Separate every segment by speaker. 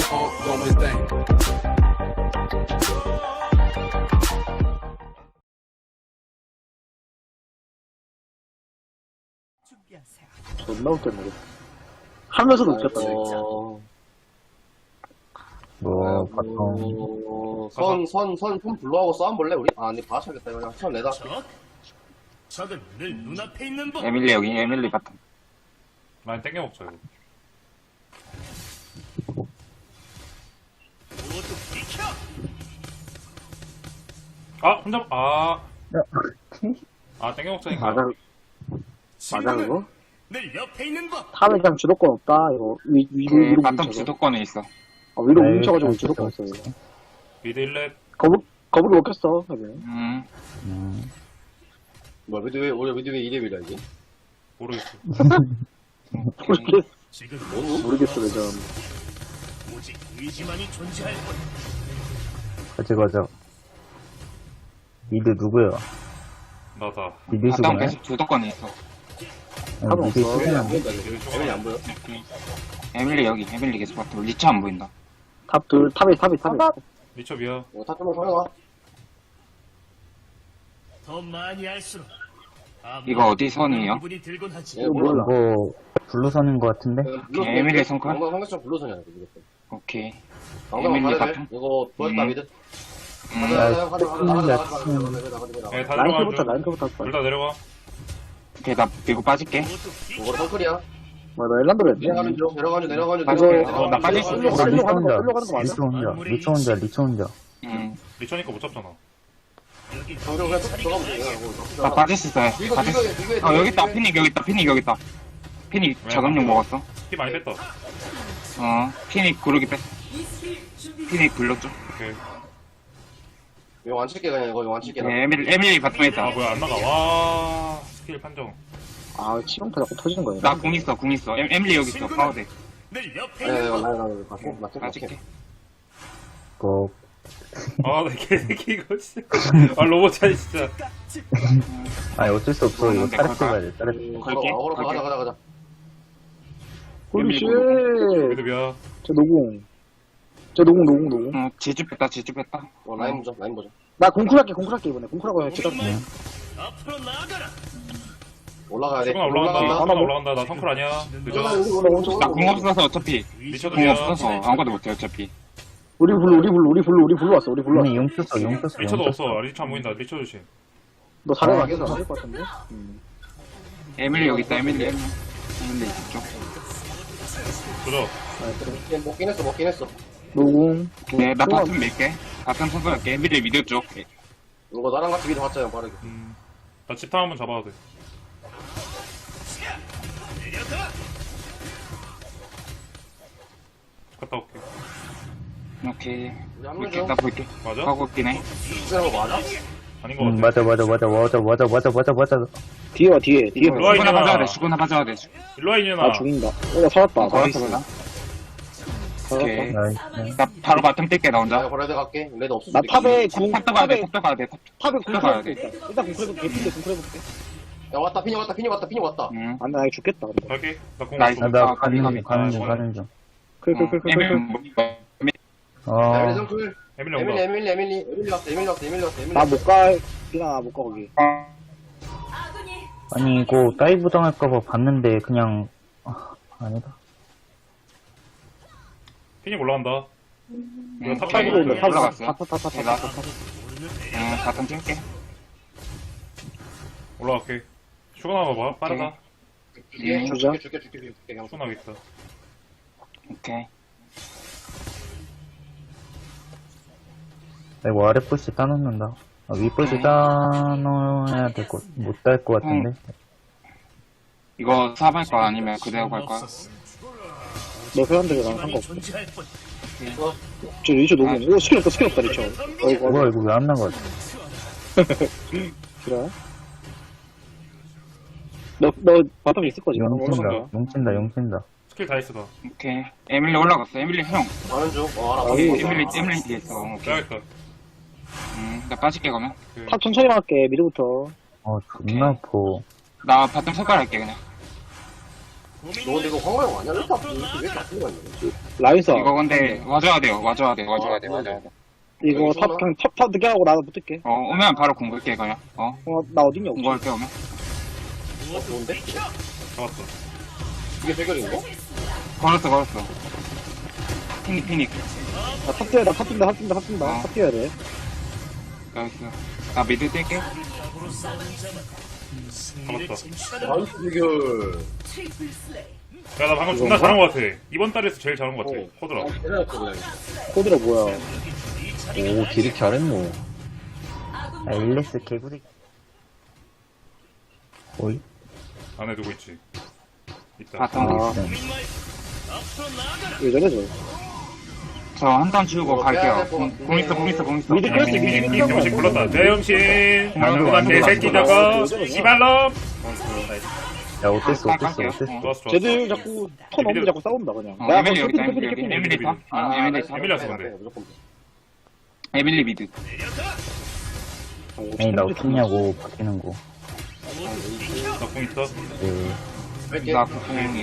Speaker 1: 존나 웃겼네. 하면서도 웃겼다.
Speaker 2: 손 불러하고 싸움볼래, 우리? 아, 근데 봐줘야겠다. 그냥 손 내다.
Speaker 3: 적은 늘 눈앞에 있는 법.
Speaker 4: 에밀리 여기, 에밀리 바텀.
Speaker 5: 많이 땡겨 먹자 이거.
Speaker 3: 모두 비켜.
Speaker 5: 아 혼자 땡겨 먹자니까.
Speaker 1: 맞아,
Speaker 3: 친구는
Speaker 1: 그거?
Speaker 3: 늘 옆에 있는 법.
Speaker 1: 탑에 그냥 주도권 없다, 이거. 위로
Speaker 4: 바텀
Speaker 1: 뭉쳐서.
Speaker 4: 주도권에 있어.
Speaker 1: 위로 뭉쳐가지고 주도권 없어, 이거.
Speaker 5: 미드 1렙.
Speaker 1: 거북이 먹혔어, 여기.
Speaker 2: 뭐야, 미드 왜 2렙이라, 이게?
Speaker 5: 모르겠어.
Speaker 3: 지금
Speaker 1: 모르겠어, 레전.
Speaker 3: 오직 의지만이 존재할 뿐.
Speaker 6: 가자. 미드 누구야?
Speaker 5: 나다.
Speaker 6: 미드
Speaker 4: 바텀
Speaker 6: 수구네?
Speaker 4: 계속 주도권에 있어.
Speaker 1: 탑은
Speaker 6: 미드
Speaker 1: 없어.
Speaker 2: 에밀리 안
Speaker 6: 수구네.
Speaker 2: 보인다, 이거. 에밀리 안 보여?
Speaker 4: 에밀리 여기, 에밀리 계속 바텀. 리차 안 보인다.
Speaker 1: 탑이.
Speaker 5: 리처비야.
Speaker 2: 탑 좀만 서려가.
Speaker 3: 더 많이 할수록
Speaker 4: 이거 어디 선이에요?
Speaker 3: 기분이 들곤 하지.
Speaker 2: 이거 몰라.
Speaker 6: 이거 블루선인 것 같은데?
Speaker 4: 에밀리 성과?
Speaker 2: 방금 성격적 불러서냐, 이거. 무조건.
Speaker 4: 오케이.
Speaker 2: 방금
Speaker 4: 에밀리
Speaker 2: 가야 돼.
Speaker 4: 바텀?
Speaker 2: 이거 보였다, 미드.
Speaker 4: 음,
Speaker 5: 네, 다 내려가.
Speaker 1: 라인크부터 할 거야.
Speaker 5: 둘 다 내려가.
Speaker 4: 오케이, 나 밀고 빠질게.
Speaker 3: 모두 비켜.
Speaker 2: 이거 덩클이야.
Speaker 1: 뭐야, 나 엘란드로 했네.
Speaker 2: 내려가는 중.
Speaker 4: 빠질게.
Speaker 1: 이거-
Speaker 4: 나 빠질 수
Speaker 1: 이거-
Speaker 4: 있어.
Speaker 1: 끌려가는 거
Speaker 6: 리처
Speaker 1: 맞아?
Speaker 6: 혼자. 리처 혼자.
Speaker 5: 리처니까 못 잡잖아.
Speaker 3: 여기
Speaker 2: 그냥 들어가면 돼.
Speaker 4: 나 빠질 수 있어. 빠질 수 있어. 여기 있다. 피닉 여기 있다. 피닉 저금용 먹었어.
Speaker 5: 피 많이 뺐다.
Speaker 4: 피닉 구르기 뺐어. 피닉 불렀죠.
Speaker 5: 오케이.
Speaker 2: 이거 완칠게 그냥 이거 완칠게.
Speaker 4: 네, 에밀리 바텀에 있다.
Speaker 5: 뭐야 안 나가. 와 스킬 판정.
Speaker 1: 치명타 자꾸 터지는 거야.
Speaker 4: 나 궁 있어. 에밀리 여기 있어. 파워대.
Speaker 3: 늘 옆에
Speaker 2: 아니
Speaker 3: 있는 법.
Speaker 2: 이거 맞게
Speaker 4: 빠질게.
Speaker 6: 꼭.
Speaker 5: 나 개새끼 이거 진짜. 로봇 차이 진짜.
Speaker 6: 아니, 어쩔 수 없어. 이거
Speaker 4: 근데
Speaker 6: 타렉
Speaker 4: 걸까?
Speaker 6: 가야 돼, 타렉.
Speaker 4: 걸게.
Speaker 2: 가자.
Speaker 1: 홀리쉣.
Speaker 5: 미드비야.
Speaker 1: 저 노공.
Speaker 4: 지주 뺐다.
Speaker 2: 라인 보자.
Speaker 1: 나 공쿨할게, 이번에. 공쿨하고 해. 제가.
Speaker 3: 앞으로 나아가라.
Speaker 2: 올라가야 돼.
Speaker 5: 수근아 올라간다. 나 성클 아니야. 늦어.
Speaker 4: 나 궁 없어서 어차피.
Speaker 5: 리처도
Speaker 4: 궁
Speaker 5: 비야.
Speaker 4: 없어서 아무것도 못해 어차피.
Speaker 1: 우리 불러 왔어.
Speaker 6: 근데 용 쳤어.
Speaker 5: 리처도 없어. 리처 안 보인다. 리처 조심.
Speaker 1: 너 잘해 가겠어. 안될것 같은데?
Speaker 4: 에밀리 여기 있다. 에밀리 있죠.
Speaker 5: 조져.
Speaker 2: 먹긴 했어.
Speaker 1: 노공.
Speaker 4: 네, 나 바텀 밀게. 바텀 선수할게. 에밀리 미드 쪽.
Speaker 2: 이거 나랑 같이 미드 봤잖아, 빠르게.
Speaker 5: 나 집탐 한번 잡아야 돼.
Speaker 3: 내려가.
Speaker 5: 갔다 올게.
Speaker 4: 오케이.
Speaker 2: 우리 한
Speaker 4: 볼게.
Speaker 2: 명
Speaker 4: 나 볼게.
Speaker 5: 맞아?
Speaker 4: 하고 있긴 해.
Speaker 2: 거 맞아?
Speaker 5: 아닌 것 같아.
Speaker 6: 맞아.
Speaker 1: 뒤에 와, 뒤에.
Speaker 5: 일로와
Speaker 4: 수구나 봐줘야 돼.
Speaker 5: 일로와 이년아.
Speaker 1: 나 죽인다. 나 살았다.
Speaker 4: 걸었어, 나. 오케이.
Speaker 6: 나이스.
Speaker 4: 나 바로 바텀 뛸게, 나 혼자.
Speaker 2: 내가 걸어야 돼 갈게. 레드 없을
Speaker 1: 나
Speaker 2: 수도
Speaker 1: 탑에
Speaker 2: 있겠지.
Speaker 4: 탑도 가야 돼, 탑도 가야 돼.
Speaker 1: 탑에
Speaker 4: 탑도 가야 돼.
Speaker 1: 일단 공쿨해볼게.
Speaker 2: 야 왔다. 피니 왔다.
Speaker 4: 응.
Speaker 1: 나 이거 죽겠다.
Speaker 5: 갈게. 나공
Speaker 4: 나이스.
Speaker 5: 없어.
Speaker 6: 나
Speaker 4: 가비.
Speaker 6: 가는 중.
Speaker 4: 에밀리
Speaker 2: 에밀리 성클.
Speaker 5: 에밀리 온다.
Speaker 2: 에밀리 왔어.
Speaker 1: 나 못 가. 나 못 가, 거기.
Speaker 6: 아니, 이거 다이브 당할까봐 봤는데, 그냥, 아니다.
Speaker 5: 피닉 올라간다. 이거 탑
Speaker 4: 오케이.
Speaker 5: 타고 온다.
Speaker 4: 올라갔어.
Speaker 1: 타.
Speaker 4: 응, 바텀 찍게.
Speaker 5: 올라갈게. 슈가 나와봐. 빠르다.
Speaker 1: 주자.
Speaker 2: 줄게. 그냥
Speaker 5: 슈가 나겠다.
Speaker 4: 오케이.
Speaker 6: 이거 아래 푸시 따놓는다. 위 푸시 따놓아야 못 딸 것 같은데.
Speaker 4: 이거 사발 거 아니면 그대로 갈 거야?
Speaker 1: 너 회원들이 나랑
Speaker 3: 의지만이
Speaker 1: 상관없어.
Speaker 3: 존재할 뿐.
Speaker 1: 저 리처 노공. 오, 스킬 없다, 리처.
Speaker 6: 뭐야, 이거 왜 안 나가?
Speaker 1: 그래? 너 바텀에 있을 거지?
Speaker 6: 용친다.
Speaker 5: 스킬 다 했어 나.
Speaker 4: 오케이. 에밀리 올라갔어. 에밀리 형.
Speaker 2: 가는 중. 알아.
Speaker 4: 에밀리 뒤에 있어. 오케이.
Speaker 5: 빼야겠다.
Speaker 4: 나 빠질게, 그러면.
Speaker 1: 탑 천천히 할게, 미드부터.
Speaker 6: 존나 아파.
Speaker 4: 나 바텀 색깔 할게, 그냥.
Speaker 2: 너 근데 이거 황마영 아니야? 왜 이렇게 아픈 거 있냐?
Speaker 1: 라인사.
Speaker 4: 이거 근데 와줘야 돼요. 와줘야 돼.
Speaker 1: 이거 탑, 그냥 탑 늦게 하고 나도 붙을게.
Speaker 4: 오면 바로 공격해 그냥.
Speaker 1: 나 어딨냐, 혹시.
Speaker 4: 공격할게 오면.
Speaker 2: 좋은데?
Speaker 5: 잡았어.
Speaker 2: 이게 대결인가?
Speaker 4: 걸었어. 피닉.
Speaker 1: 탑 뛰어야 돼, 탑 뛴다. 탑 뛰어야 돼.
Speaker 4: 나이스. 나 미드 뛸게.
Speaker 5: 잡았다.
Speaker 2: 나이스 대결.
Speaker 5: 야, 나 방금 존나 잘한 것 같아. 이번 달에서 제일 잘한 것 같아. 코드라.
Speaker 2: 대단했어, 그냥.
Speaker 1: 코드라 뭐야.
Speaker 6: 오, 딜이 잘했노. 아, 일레스 개구리. 어이?
Speaker 5: 안에 두고 있지. 있다.
Speaker 4: 바텀.
Speaker 1: 왜 저래, 저.
Speaker 4: 저 한 턴 주고 갈게요. 공 있어.
Speaker 1: 미드 클래스
Speaker 5: 이 병신 불렀다. 대형신. 그만 개새끼 저거. 씨발놈.
Speaker 6: 야, 어땠어?
Speaker 5: 좋았어.
Speaker 1: 쟤들 자꾸 턴 없는데 자꾸 싸운다, 그냥.
Speaker 4: 에밀리 여기 있다. 에밀리 타.
Speaker 5: 에밀리 왔어, 근데.
Speaker 2: 무조건.
Speaker 4: 에밀리 미드.
Speaker 6: 아니, 나 어떻냐고, 바뀌는 거.
Speaker 5: 나공 있다.
Speaker 6: 네.
Speaker 2: 뺄게.
Speaker 4: 나 공이.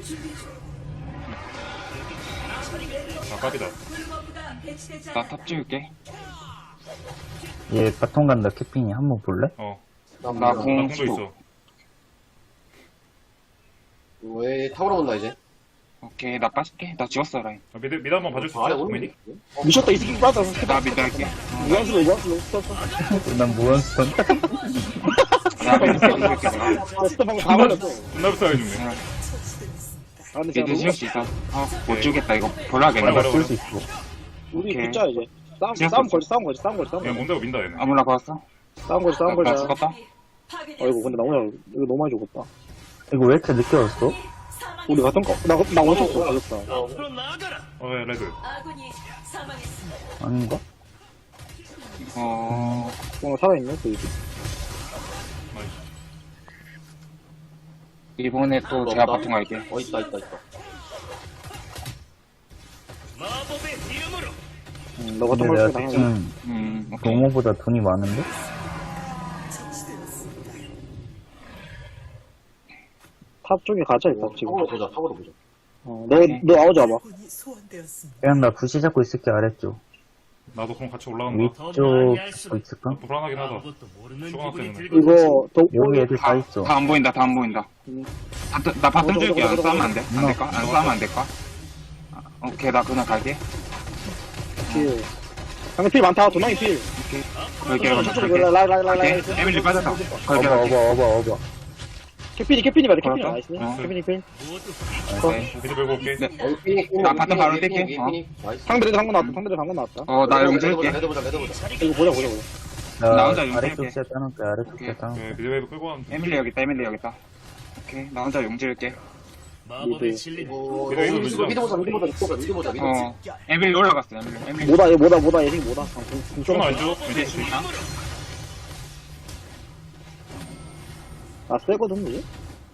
Speaker 5: 아, 깝이다.
Speaker 4: 나 탑 지울게.
Speaker 6: 얘 바통 간다, 캐핀이. 한번 볼래?
Speaker 4: 나
Speaker 5: 나
Speaker 4: 공
Speaker 5: 공도
Speaker 4: 수도.
Speaker 5: 있어.
Speaker 2: 왜 타오러 온다, 이제?
Speaker 4: 오케이 나 빠질게. 나 지웠어 라인.
Speaker 5: 미드 한번 봐줄 수
Speaker 2: 아래
Speaker 5: 있어?
Speaker 2: 오는
Speaker 5: 고민이?
Speaker 1: 미쳤다, 이 새끼 빠져.
Speaker 4: 나 미드 할게.
Speaker 1: 무한수로 썼어.
Speaker 6: 난 무한스턴.
Speaker 4: 나 미드 할게.
Speaker 1: 스톱 방금 다 걸렸어.
Speaker 5: 존나 불쌍해 죽네.
Speaker 1: 아, 근데
Speaker 4: 미드
Speaker 1: 진짜
Speaker 4: 지울 수 있어. 못 지우겠다 이거. 볼라겠네.
Speaker 5: 뭐라,
Speaker 6: 쓸수 있어.
Speaker 1: 우리
Speaker 4: 오케이.
Speaker 1: 붙자, 이제. 싸움 걸자.
Speaker 5: 그냥 뭔데고 민다, 얘네.
Speaker 4: 아무나 걸었어?
Speaker 1: 싸움
Speaker 4: 나
Speaker 1: 걸자.
Speaker 4: 죽었다?
Speaker 1: 어이구, 근데 나 오늘, 이거 너무 많이 죽었다.
Speaker 6: 이거 왜 이렇게 늦게 왔어?
Speaker 1: 우리 같은 거, 나 원쳤어, 죽었다.
Speaker 3: 앞으로 나아가라.
Speaker 5: 야, 레드.
Speaker 6: 아닌가?
Speaker 1: 살아있네, 그 이제.
Speaker 4: 이번에 또 제가 바통 갈게.
Speaker 2: 있다.
Speaker 3: 마법의 이름으로
Speaker 1: 너 같은
Speaker 6: 근데
Speaker 1: 걸
Speaker 6: 내가
Speaker 1: 쓰고 당하네.
Speaker 6: 지금
Speaker 4: 오케이.
Speaker 6: 노모보다 돈이 많은데?
Speaker 1: 탑 쪽에 가자, 일단, 지금.
Speaker 2: 타오러 보자.
Speaker 1: 너 아웃 잡아.
Speaker 6: 그냥 나 부시 잡고 있을게, 아래쪽.
Speaker 5: 나도 그럼 같이 올라간다.
Speaker 6: 위쪽 잡고 있을까?
Speaker 5: 불안하긴 하다.
Speaker 3: 아무것도 모르는
Speaker 5: 슈가나
Speaker 3: 기분이
Speaker 5: 때문에.
Speaker 3: 들고
Speaker 1: 이거,
Speaker 6: 여기 애들 다 있어.
Speaker 4: 다 안 보인다. 나 바텀 줄게. 안 싸우면 안 돼? 안
Speaker 6: 어.
Speaker 4: 될까? 안 싸우면 안 될까? 오케이, 나 그냥 갈게.
Speaker 1: 필. 상대 필 많다, 도망이 필.
Speaker 4: 걸게.
Speaker 1: 라이.
Speaker 4: 에밀리 빠졌다. 걸게.
Speaker 6: 어봐.
Speaker 1: 캐핀이 말해, 캐핀이
Speaker 4: 걸었어?
Speaker 1: 나이스.
Speaker 4: 어.
Speaker 1: 캐핀이 필.
Speaker 4: 오케이.
Speaker 5: 미드 빼고 올게.
Speaker 4: 나 바텀 바로 뛸게.
Speaker 1: 상대들 방금 나왔다.
Speaker 4: 나 용질게.
Speaker 2: 레드 보자.
Speaker 1: 이거 보자.
Speaker 4: 나 혼자
Speaker 6: 나 아래쪽
Speaker 4: 용서할게.
Speaker 6: 시야 따놓을게, 아래쪽 시야 따놓을게.
Speaker 5: 네, 미드 웨이브 끌고 가면 돼.
Speaker 4: 에밀리 여기 있다. 오케이. 나 혼자 용질게.
Speaker 3: 마법의 진리.
Speaker 2: 미드 보자.
Speaker 4: 에밀리 올라갔어. 에밀리.
Speaker 1: 뭐다, 얘 뭐다.
Speaker 5: 슈가나 왼쪽.
Speaker 4: 이제 있나?
Speaker 1: 나 세거든, 이제.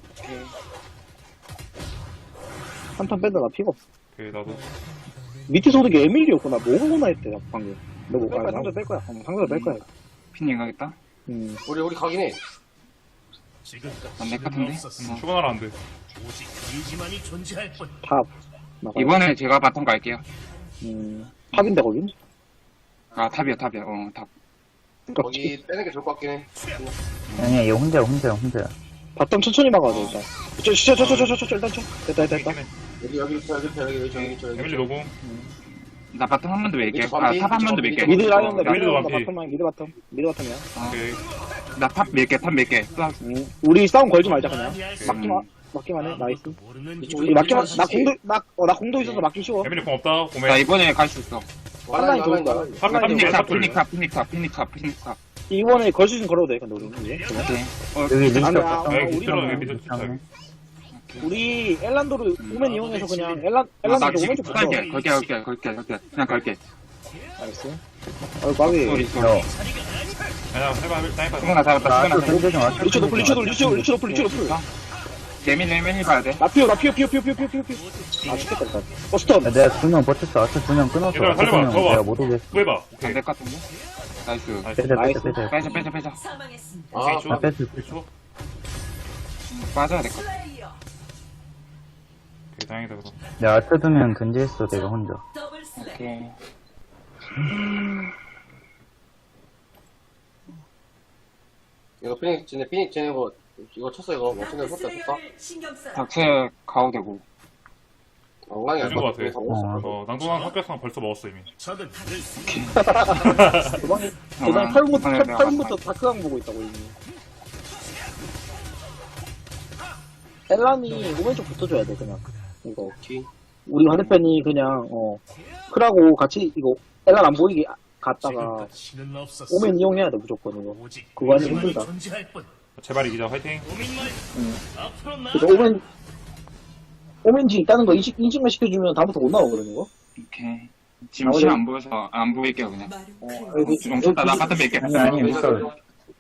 Speaker 1: 한턴 뺀다, 나 피가 없어.
Speaker 5: 오케이, 나도.
Speaker 1: 밑에 소득이 에밀리였구나. 뭐구나 했대, 방금. 너 뭐, 상대 뺄 거야. 상대 뺄 거야.
Speaker 4: 피닝 가겠다.
Speaker 2: 우리 가긴 해.
Speaker 3: 지금까지
Speaker 4: 내 같은데?
Speaker 5: 슈가나라 안 돼.
Speaker 3: 오직 의지만이 존재할 뿐.
Speaker 1: 탑. 나가.
Speaker 4: 이번에 제가 바텀 갈게요.
Speaker 1: 탑인데, 거긴?
Speaker 4: 아, 탑이야. 탑.
Speaker 2: 거기 빼는 게 좋을 것 같긴 해.
Speaker 6: 아니야, 얘 혼자야.
Speaker 1: 바텀 천천히 막아줘, 일단. 일단 쳐. 됐다.
Speaker 2: 여기.
Speaker 5: 에밀리 노공.
Speaker 4: 나 바텀 한 번 더 밀게.
Speaker 2: 미드
Speaker 4: 탑
Speaker 2: 반피,
Speaker 4: 한 번 더 밀게.
Speaker 1: 미드 라이언다,
Speaker 5: 미드 반피.
Speaker 1: 미드 바텀이야.
Speaker 5: 오케이.
Speaker 4: 나 탑 밀게.
Speaker 1: 우리 싸움 걸지 말자, 그냥.
Speaker 4: 음.
Speaker 1: 맞기만 해, 나이스.
Speaker 3: 모르는
Speaker 1: 우리 맞기만, 나 공도 있어서 맞기 쉬워.
Speaker 5: 에밀리 공 없다.
Speaker 4: 나
Speaker 5: 고메.
Speaker 4: 이번에 갈 수 있어.
Speaker 1: 한라인 좋은 거야.
Speaker 4: 피닉탑.
Speaker 1: 이번에 걸 수 있으면 걸어도 돼, 근데 우리. 이제.
Speaker 4: 오케이.
Speaker 6: 여기 리스트
Speaker 1: 아니야,
Speaker 6: 바텀.
Speaker 5: 여기
Speaker 1: 우리가
Speaker 5: 밑으로,
Speaker 1: 뭐-
Speaker 5: 여기 밑으로 쫓아야
Speaker 1: 우리 엘란도를 오멘 이용해서 그냥
Speaker 4: 나
Speaker 1: 엘란도
Speaker 4: 지금
Speaker 1: 오멘 쪽 붙여.
Speaker 4: 걸게. 그냥 걸게.
Speaker 1: 알았어. 까비.
Speaker 4: 소리.
Speaker 5: 그냥 해봐, 타이파.
Speaker 4: 수근아 잡았다.
Speaker 6: 나
Speaker 4: 수근아
Speaker 6: 아래쪽 샌드 좀 왔어.
Speaker 1: 리치 노플.
Speaker 4: 개밀 봐야 돼.
Speaker 1: 나 피어. 아, 죽겠다, 일단. 스턴.
Speaker 6: 야, 내가 2명 버텼어. 아트 2명 끊었어.
Speaker 5: 얘들아,
Speaker 6: 아트
Speaker 5: 살려봐,
Speaker 6: 2명
Speaker 5: 줘봐.
Speaker 6: 내가 못 오겠어.
Speaker 5: 구해봐. 오케이.
Speaker 4: 안될 것 같은데? 나이스.
Speaker 6: 빼자.
Speaker 2: 아,
Speaker 6: 나 뺐을 때.
Speaker 5: 초
Speaker 4: 빠져야 될 것 같아.
Speaker 5: 다행이다, 그럼.
Speaker 6: 내가 아트 두면 견제했어, 내가 혼자.
Speaker 4: 오케이.
Speaker 2: 이거 피닉 쟤네 이거 쳤어 이거 멋진데 쳤다 쳤다.
Speaker 4: 닥쳐 가도 되고.
Speaker 2: 엉망이야.
Speaker 5: 해준 것 같아.
Speaker 6: 어.
Speaker 5: 낭동강 합격상 벌써 먹었어, 이미.
Speaker 3: 적은 늘
Speaker 1: 도망이 도망이 8분부터 다크강 보고 있다고 이미. 엘란이 오른쪽 붙어줘야 돼 그냥 이거.
Speaker 2: 오케이.
Speaker 1: 우리 반대편이 그냥 크라고 같이 이거 엘란 안 보이게 갔다가
Speaker 3: 가치는 없었어.
Speaker 1: 오멘 이용해야 돼 무조건 이거.
Speaker 3: 오직
Speaker 1: 그거 아니면
Speaker 3: 우리만이
Speaker 1: 힘들다.
Speaker 3: 존재할 뿐.
Speaker 5: 제발 이기자, 화이팅.
Speaker 3: 오민마이 앞으로 나.
Speaker 1: 그래서 오멘지 있다는 거 인식만 시켜주면 다음부터 못 나오거든 이거.
Speaker 4: 오케이. 지금 시야 안 보여서 안 보일게요 그냥. 주동 쳤다. 나 바텀 뺄게.
Speaker 6: 아니, 못 써.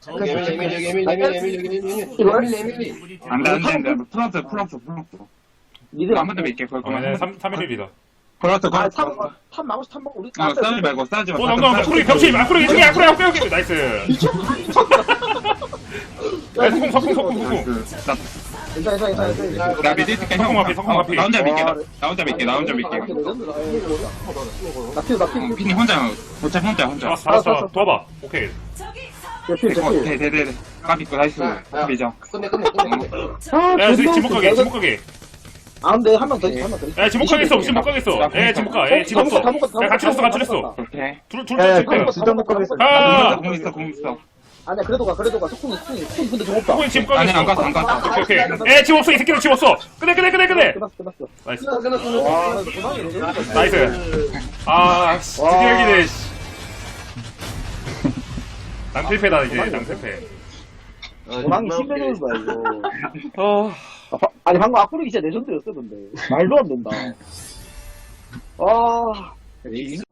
Speaker 2: 에밀리.
Speaker 4: 안돼. 플러스.
Speaker 1: 니들
Speaker 4: 한 번 더 뺄게. 그럴 거면.
Speaker 5: 3일이다.
Speaker 4: 플러스.
Speaker 1: 탑 막고 우리
Speaker 4: 싸우지 말고 싸우지 말고.
Speaker 5: 낭동강, 앞으로 병신! 앞으로 이승이 앞으로 빼오게! 나이스! 나이스, 석궁.
Speaker 1: 괜찮아.
Speaker 4: 나 믿을 테니까
Speaker 5: 성공 앞에, 성공 앞에.
Speaker 4: 나 혼자 믿게. 나 혼자 믿게.
Speaker 1: 나 피우.
Speaker 4: 피니 혼자. 혼자.
Speaker 5: 알았어. 도와봐. 오케이.
Speaker 4: 대대대. 까비고 나이스. 까비죠.
Speaker 2: 끝내.
Speaker 5: 야, 지목하게.
Speaker 1: 아, 근데 한 명 더 있어.
Speaker 5: 야, 지목하게 있어. 야, 집 없어. 야, 같이 냈어.
Speaker 4: 오케이.
Speaker 5: 둘
Speaker 6: 야,
Speaker 5: 칠게.
Speaker 6: 진짜 못 가겠어.
Speaker 5: 아!
Speaker 4: 공 있어.
Speaker 1: 아니야, 그래도 가. 속궁이 근데 좀 없다.
Speaker 5: 호인 지목하게
Speaker 4: 아니
Speaker 5: 있어.
Speaker 4: 안 갔어.
Speaker 5: 오케이. 에, 집 없어. 이 새끼들 집 없어. 끝내.
Speaker 1: 끝났어.
Speaker 5: 나이스.
Speaker 1: 와, 도망이
Speaker 5: 나이스. 아, 씨. 드디어 이기네, 씨. 낭필패다, 이제. 낭필패.
Speaker 1: 도망이 심해놓은 거야, 이거.
Speaker 5: 어.
Speaker 1: 아니, 방금 악플이 진짜 레전드였어, 근데. 말도 안 된다. 아.